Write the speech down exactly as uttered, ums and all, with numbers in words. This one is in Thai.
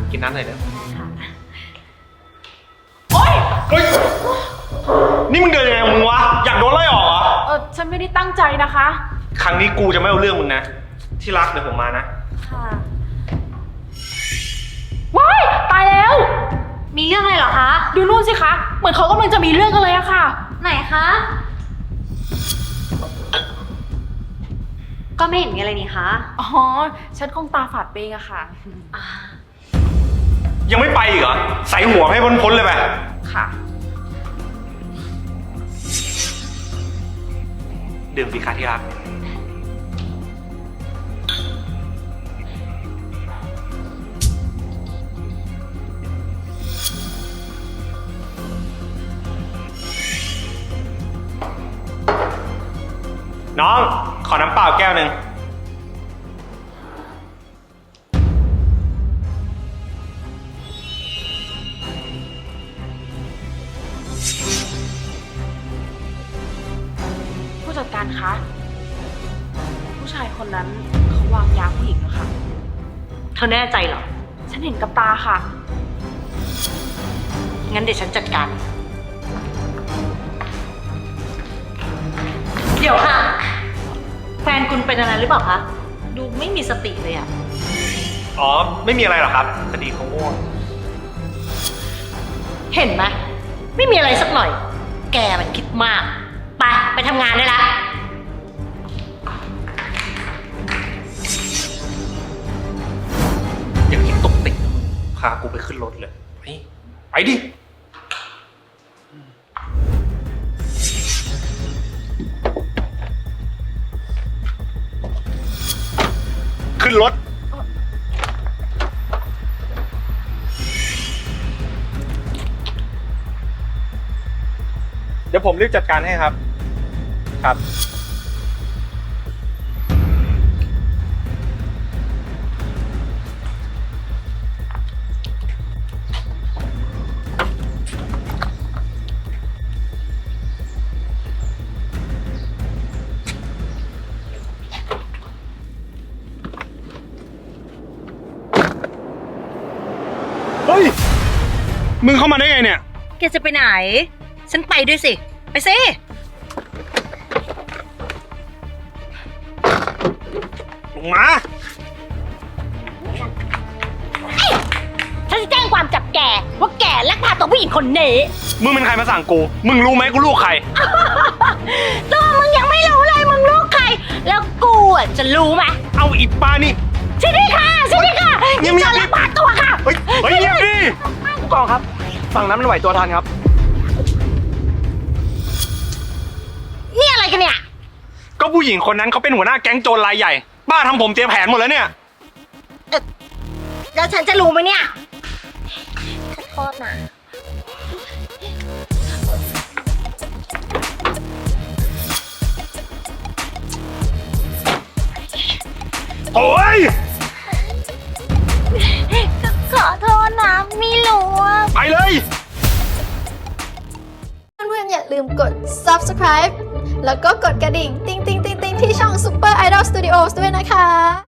กินน้ำหน่อยเดี๋ยวโอ๊ยเฮ้ย นี่มึงเดินยังไงของมึงวะ อยากโดนไล่ออกเหรอเออฉันไม่ได้ตั้งใจนะคะครั้งนี้กูจะไม่เอาเรื่องมึงนะ ที่รักเดี๋ยวผมมานะค่ะว้ายตายแล้วมีเรื่องอะไรเหรอคะดูนู่นสิคะ เหมือนเขากำลังจะมีเรื่องกันเลยอะค่ะไหนคะ ก็ไม่เห็นมีอะไรนี่คะอ๋อ ฉันคงตาฝาดเปงอะค่ะอ่ายังไม่ไปอีกเหรอ ใส่หัวให้พ้นๆเลยไปค่ะดื่มสิคะที่รัก น้อง ขอน้ำเปล่าแก้วหนึ่งผู้จัดการคะ ผู้ชายคนนั้นเขาวางยาผู้หญิงแล้วค่ะเธอแน่ใจเหรอฉันเห็นกับตาค่ะงั้นเดี๋ยวฉันจัดการ เดี๋ยวค่ะ แฟนคุณเป็นอะไรหรือเปล่าคะ ดูไม่มีสติเลยอะอ๋อ ไม่มีอะไรหรอกครับพอดีเขาง่วงเห็นไหมไม่มีอะไรสักหน่อย แกมันคิดมาก ไป ไปทำงานได้ละอย่างนี้ตกติดพากูไปขึ้นรถเลย ไป ไปดิ ขึ้นรถ เดี๋ยวผมรีบจัดการให้ครับ ครับ เฮ้ย มึงเข้ามาได้ไงเนี่ยแกจะไปไหน ฉันไปด้วยสิ ไปสิลงมาฉันจะแจ้งความจับแกว่าแกลักพาตัวผู้หญิงคนนี้มึงเป็นใครมาสั่งกู มึงรู้ไหมกูลูกใครตัวมึงยังไม่รู้เลยมึงลูกใคร แล้วกูอ่ะจะรู้ไหมเอาอีป้านี่ใช่ไหมค่ะใช่ไหมค่ะเงียบๆนี่จะลักพาตัวค่ะเฮ้ย เฮ้ยเงียบดิผู้กองครับ ฝั่งนั้นมันไหวตัวทันครับนี่อะไรกันเนี่ยก็ผู้หญิงคนนั้นเขาเป็นหัวหน้าแก๊งโจรรายใหญ่ ป้าทำผมเตรียมแผนหมดแล้วเนี่ยแล้วฉันจะรู้ไหมเนี่ยขอโทษนะโอ้ยขอโทษนะไม่รู้ว่าไปเลยเพื่อนๆอย่าลืมกด subscribe แล้วก็กดกระดิ่ง ติ๊งติ๊งติ๊งติ๊งที่ช่อง Super Idol Studios ด้วยนะคะ